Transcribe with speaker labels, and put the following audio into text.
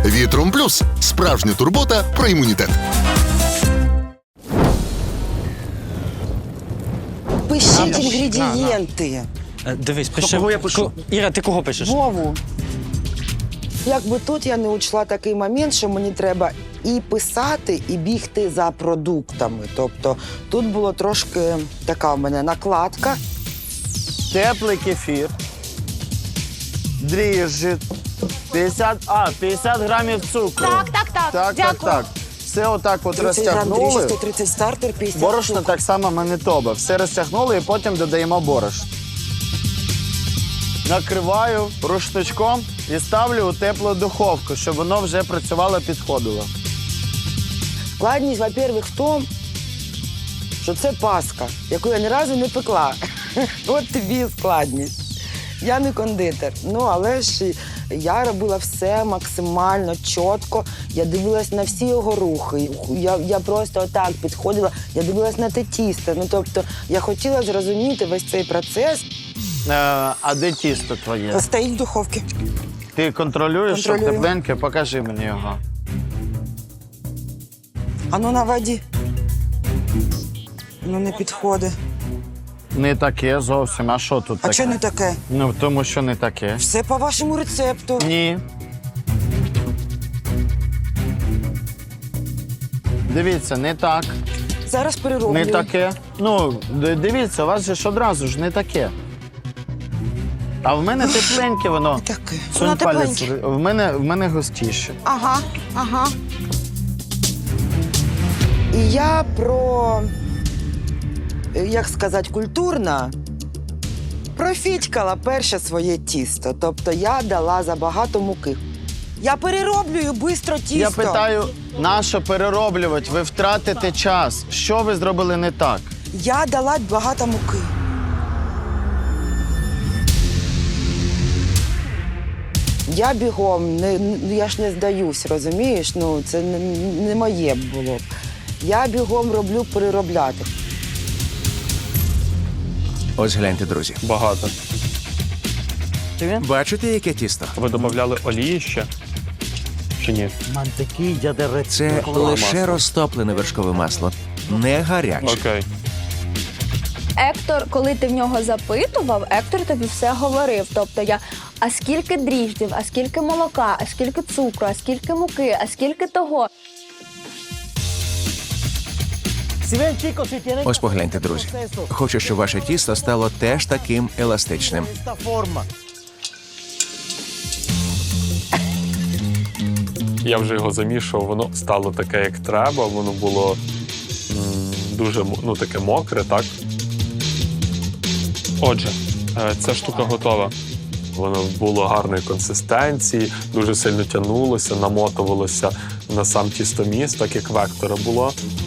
Speaker 1: Вітром Плюс – справжня турбота про імунітет.
Speaker 2: Пишіть інгредієнти.
Speaker 3: Дивись, пиши.
Speaker 4: кого я пишу?
Speaker 3: Іра, ти кого пишеш?
Speaker 2: Вову. Якби тут я не учла такий момент, що мені треба і писати, і бігти за продуктами. Тобто тут було трошки така в мене накладка.
Speaker 4: Теплий кефір, дріжджі, 50 грамів цукру. Так. Все отак от
Speaker 2: 30 грам дріжджі,
Speaker 4: розтягнули.
Speaker 2: 130 стартер, 50
Speaker 4: Борошно
Speaker 2: цукру.
Speaker 4: так само Манитоба. Все розтягнули і потім додаємо борошно. Накриваю рушничком і ставлю у теплу духовку, щоб воно вже працювало, підходило.
Speaker 2: Складність, во-первых, в тому, що це паска, яку я ні разу не пекла. От тобі і складність. Я не кондитер. Ну, але ж я робила все максимально чітко. Я дивилась на всі його рухи. Я просто отак підходила, я дивилась на те тісто. Ну, тобто, я хотіла зрозуміти весь цей процес.
Speaker 4: А де тісто твоє?
Speaker 2: Стоїть в духовці.
Speaker 4: Ти контролюєш, щоб
Speaker 2: Контролюю.
Speaker 4: тепленьке? Покажи мені його.
Speaker 2: А ну на воді. Ну, не підходить.
Speaker 4: Не таке зовсім. А що тут
Speaker 2: А
Speaker 4: таке?
Speaker 2: що не таке?
Speaker 4: Ну, тому що не таке.
Speaker 2: Все по вашому рецепту.
Speaker 4: Ні. Дивіться, не так,
Speaker 2: Зараз перероблю.
Speaker 4: не таке. Ну, дивіться, у вас же ж одразу ж не таке. А в мене тепленьке воно.
Speaker 2: Не таке.
Speaker 4: Сунь
Speaker 2: Воно
Speaker 4: палець.
Speaker 2: тепленьке.
Speaker 4: В мене густіше.
Speaker 2: Ага. І я як сказати, культурно профітькала перше своє тісто. Тобто я дала забагато муки. Я перероблюю швидко тісто.
Speaker 4: Я питаю, нащо перероблювати? Ви втратите час. Що ви зробили не так?
Speaker 2: Я дала багато муки. Я бігом, я ж не здаюсь, розумієш? Ну, це не моє було б. Я бігом роблю переробляти.
Speaker 5: Ось гляньте, друзі.
Speaker 3: Багато.
Speaker 5: Бачите, яке тісто?
Speaker 3: Ви додавали олії ще? Чи ні?
Speaker 5: Це лише розтоплене вершкове масло, не гаряче.
Speaker 3: Окей.
Speaker 6: Ектор, коли ти в нього запитував, Ектор тобі все говорив. Тобто а скільки дріжджів, а скільки молока, а скільки цукру, а скільки муки, а скільки того.
Speaker 5: Ось погляньте, друзі. Хочу, щоб ваше тісто стало теж таким еластичним.
Speaker 7: Я вже його замішував, воно стало таке, як треба, воно було дуже таке мокре, так? Отже, ця штука готова. Воно було гарної консистенції, дуже сильно тягнулося, намотувалося на сам тістоміс, так як вектора було.